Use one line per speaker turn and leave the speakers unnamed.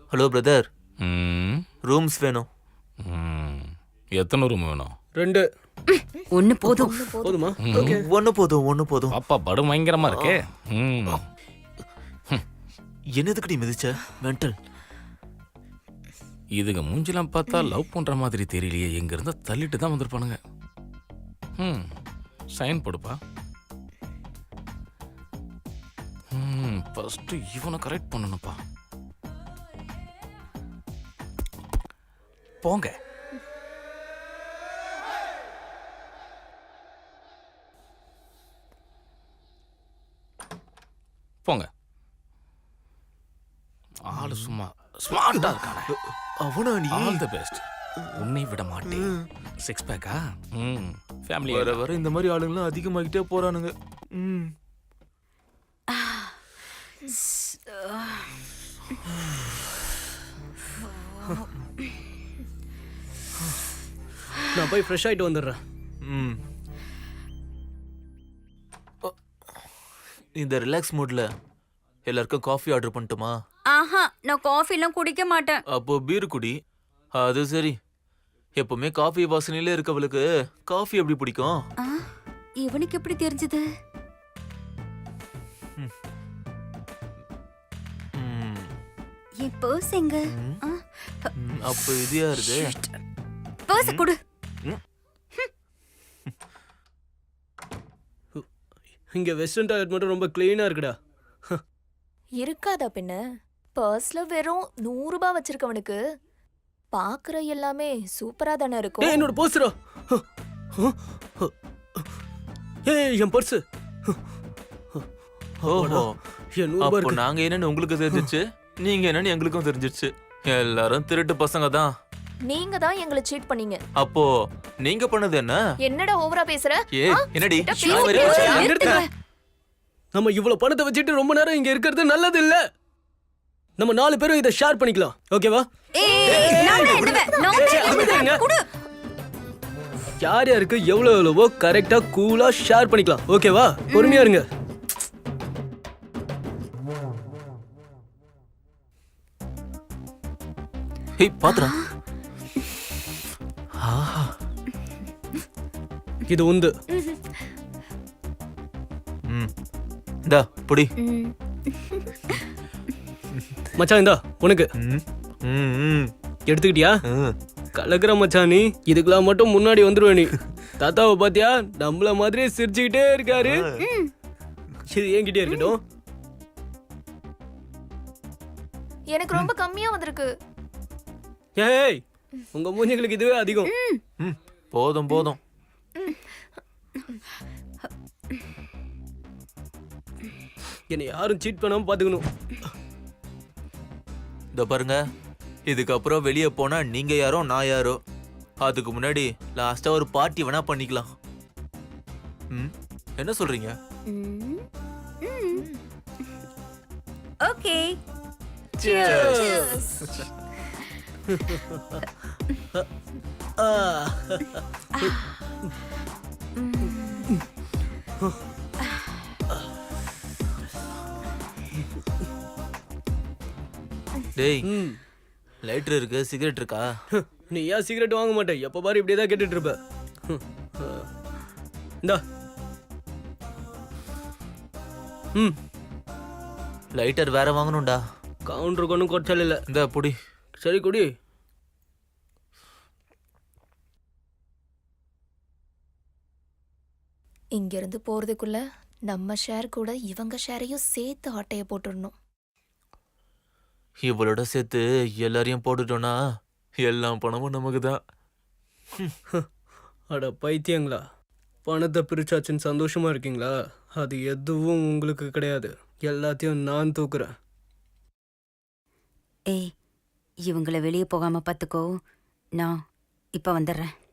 Hello brother,
ம்,
rooms வேணும்.
ம். எத்தனை ரூம் வேணும்?
2
ஒண்ணு போதும்.
போதுமா?
ஒன்று போதும், ஒன்று போதும்.
பாப்பா படு பயங்கரமா இருக்கே. ம்.
என்னதுக்கடி மிதிச்ச மென்டல்?
இதுங்க மூஞ்சிலாம் பார்த்தா லவ் பண்ற மாதிரி தெரியலையே. எங்க இருந்தா தள்ளிட்டு தான் வந்திருப்பானுங்க. ம், சைன் போடுப்பா. ம், ஃபர்ஸ்ட் இவனை கரெக்ட் பண்ணணும்ப்பா. போங்க. போங்க. ஆளு சும்மா ஸ்மார்ட்டா இருக்கானே.
அவனா நீ?
All the best. உன்னை விட மாட்டேன். 6 பேக்கா? ம், ஃபேமிலி
வர வர இந்த மாதிரி ஆளுங்களாம் அதிகமாகிட்டே போறானுங்க. ம்.
நான் போய் ஃப்ரெஷ் ஆயிட்டு வந்துடுறேன்.
ம். இந்த ரிலாக்ஸ் மூட்ல எல்லாருக்கும் காஃபி ஆர்டர் பண்ணட்டுமா?
ஆஹா, நான் காஃபி எல்லாம் குடிக்க மாட்டேன்.
அப்போ பீர் குடி. அது சரி. எப்பவுமே காஃபி வாசனையில இருக்கவளுக்கு காஃபி எப்படி பிடிக்கும்?
ஆ, இவனுக்கு எப்படி தெரிஞ்சது?
ம்.
என் பர்ஸ் எங்க? ஆ,
அப்போ இது யாருது?
பர்ஸ் கொடு.
இங்க வெஸ்டர்ன் டாய்லெட் மட்டும் ரொம்ப கிளீனா இருக்குடா.
இருக்காதா பின்ன? பர்ஸ்ல வெறும் 100 ரூபாய் வச்சிருக்கவனுக்கு பாக்குற எல்லாமே சூப்பரா தானே
ஏய்,
இருக்கும்.
என்னோட பர்ஸ்டா. ஏய், என் பர்ஸ்.
ஓஹோ,
என் 100 ரூபாய்
அப்போ
இருக்கு.
நாங்க என்னன்னு உங்களுக்கு தெரிஞ்சிச்சு, நீங்க என்னன்னு எங்களுக்கும் தெரிஞ்சிச்சு. எல்லாரும் திருட்டு பசங்க தான்.
நீங்க தான் எங்களை சீட் பண்ணீங்க.
அப்போ நீங்க பண்ணது என்ன?
என்னடா ஓவரா பேசுற?
ஏய்,
ஆ?
என்னடி?
கிட்ட
நான்
பேசி
வேற-
பேசி
நிறுத்துங்க. நம்ம இவ்வளவு பணத்தை வச்சுட்டு ரொம்ப நேரம் இங்க இருக்கிறது நல்லது இல்ல. நம்ம 4 பேரும் இதை ஷேர் பண்ணிக்கலாம். ஓகேவா?
கொடு.
யார் யாருக்கு எவ்வளவு எவ்வளவோ கரெக்டா கூலா ஷேர் பண்ணிக்கலாம். ஓகேவா? பொறுமையா இருங்க.
ஏய், பாத்துடா.
இது உந்து.
ம். இந்தா புடி.
ம்.
மச்சான் இந்தா உனக்கு.
ம். ம், ம்.
எடுத்துக்கிட்டியா?
ம்.
கலக்குற மச்சான் நீ. இதுக்கெல்லாம் மட்டும் முன்னாடி வந்துருவ நீ. தாத்தாவை பாத்தியா? நம்மள மாதிரியே சிரிச்சுக்கிட்டே இருக்காரு. இது என்கிட்டே இருக்கட்டும்.
எனக்கு ரொம்ப கம்மியா வந்திருக்கு.
ஏய், உங்க மூஞ்சிகளுக்கு இதுவே அதிகம்.
ம். போதும் போதும்.
என்னை யாரும் சீட் பண்ணாம பாத்துக்கணும்.
இதோ பாருங்க, இதுக்கப்புறம் வெளியே போனா நீங்க யாரோ நான் யாரோ. அதுக்கு முன்னாடி லாஸ்டா ஒரு பார்ட்டி வேணா பண்ணிக்கலாம். ம், என்ன சொல்றீங்க?
ம். ம். ஓகே.
ஆ.
டேய்,
ம்.
லைட்டர் இருக்கு, சிகரெட் இருக்கா?
நீ ஏன் சிகரெட் வாங்க மாட்டே? எப்ப பாரு இப்படியே தான் கேட்டுட்டு இருப்ப. இந்தா. ம்.
லைட்டர் வேற வாங்கணும்டா.
கவுண்டருக்கு ஒன்றும் குறைச்சல் இல்லை.
இந்த புடி.
சரி குடி.
இங்க இருந்து போறதுக்குள்ள நம்ம ஷேர் கூட இவங்க ஷேரையும் சேர்த்து ஆட்டைய போட்டுடணும்.
இவளோட சேர்த்து எல்லாரையும் போட்டுட்டோம்னா எல்லா பணமும் நமக்கு தான்.
அட பைத்தியங்களா, பணத்தை பிரிச்சாச்சுன்னு சந்தோஷமா இருக்கீங்களா? அது எதுவும் உங்களுக்கு கிடையாது. எல்லாத்தையும் நான் தூக்குறேன்.
ஏய், இவங்கள வெளியே போகாம பாத்துக்கோ. நான் இப்ப வந்துடுறேன்.